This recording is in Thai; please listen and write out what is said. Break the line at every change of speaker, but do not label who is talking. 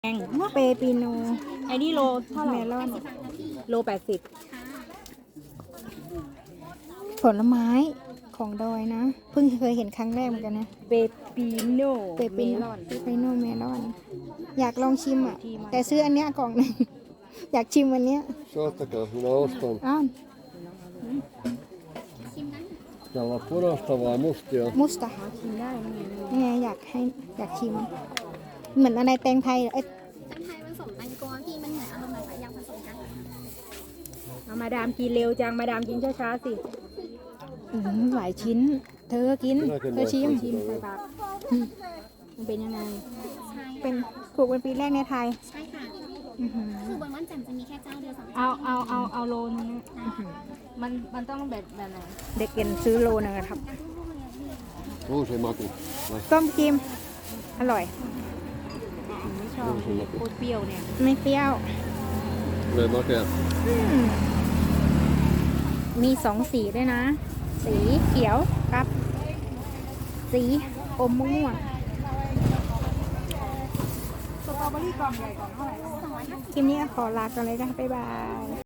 แง
เปปิโน
ไอ้นี่โลเท่าไหร่
เมลอน
โล80
ผลไม้ของดอยนะ เพิ่งเคยเห็นครั้งแรกเหมือนกันนะ
เปปิโน
เปปิโน
ลอน
เปปิโนเมลอน อยากลองชิมอ่ะ แต่ซื้ออันเนี้ยกล่องหนึ่ง อยากชิมอันเนี้ย
Saattakaa, minä ostan.
อ้าว
Pitää olla punaista vai mustia?
มุสตา
ชิมได้ไหม
นี่ไงอยากชิม เหมือนอะไรแตงไทยเอ้ย
แตงไทยผสมแตงกวาพี่มันเหมือนอารมณ์แบบยำผสมกัน
เอามาดามกินเร็วจังมาดามกินช้าๆสิ
หลายชิ้น เธอกิน เธอชิม
ชิมใส่ปากมันเป็นยังไง
ใช่
เป็นถูกเป็นปีแรกในไทย
ใช่ค่ะ
อื้อหือ
คือบนม่อนแจ่มจะมีแค่เจ้าเดียวสอง
เอาโลนึงมันต้องแบบไหน
เด็กเกินซื้อโลนึงอะครับ
On se maku. Vai,
ต้มกิม อร่อย
ไม่ชอบโคตรเปรี้ยวเนี่ย
ไม่เปรี้ยว
tulee makea.
มีสองสีด้วยนะ สีเขียวกับ สีอมม่วง
สตรอเบอรี่กล่องใหญ่กล่องเท่าไหร่
คลิปนี้ก็ขอลากันเลยนะคะบ๊ายบาย